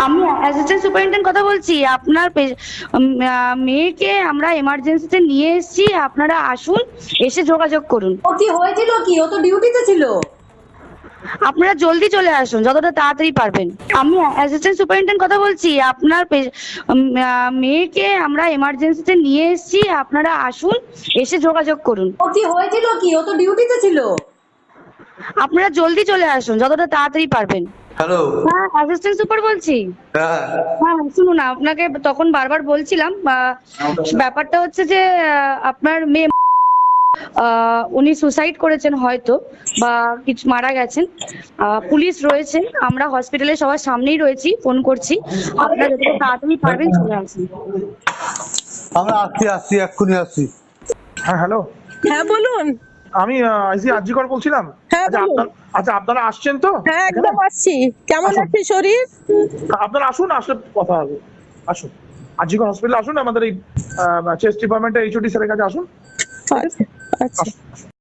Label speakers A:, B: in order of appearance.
A: আমি assistant superintendent কথা বলছি। আপনার মেয়েকে আমরা এমার্জেন্সিতে নিয়ে এসেছি, আপনারা আসুন, এসে যোগাযোগ করুন।
B: ও কি হয়েছিল কি? ও তো ডিউটিতে ছিল।
A: আপনারা জলদি চলে আসুন, যতটা তাড়াতাড়ি পারবেন। আমি অ্যাসিস্ট্যান্ট সুপারিনটেন্ডেন্ট কথা বলছি। আপনার মেয়েকে আমরা এমার্জেন্সিতে নিয়ে এসেছি, আপনারা আসুন, এসে যোগাযোগ করুন।
B: ও কি হয়েছিল কি? ও তো ডিউটিতে ছিল।
A: আপনারা জলদি চলে আসুন, যতটা তাড়াতাড়ি পারবেন।
C: হ্যালো।
A: হ্যাঁ, অ্যাসিস্ট্যান্ট সুপার বলছি।
C: হ্যাঁ
A: হ্যাঁ, শুনুন, আপনাকে তখন বারবার বলছিলাম, ব্যাপারটা হচ্ছে যে আপনার মেয়ে উনি সুসাইড করেছেন হয়তো, বা কিছু মারা গেছেন। পুলিশ রয়েছে, আমরা হসপিটালে সবার সামনেই রয়েছি, ফোন করছি। আপনারা যতটা তাড়াতাড়ি পারবেন চলে আসুন।
C: আমরা আসছি এক্ষুনি আসছি।
D: হ্যাঁ হ্যালো,
E: হ্যাঁ বলুন।
D: আমি আইসি আজিকর বলছিলাম।
E: হ্যাঁ,
D: আচ্ছা
E: বলুন।
D: আপনারা আসছেন তো?
E: হ্যাঁ একদম আসছি। কেমন
D: আসুন।
E: আছে শরীর?
D: আপনারা আসুন, আসলে কথা হবে। আসুন, আজিকর হসপিটালে আসুন, আমাদের এই চেস্ট ডিপার্টমেন্টের এইচওডি স্যারের কাছে আসুন।
E: আচ্ছা আচ্ছা।
D: আসুন।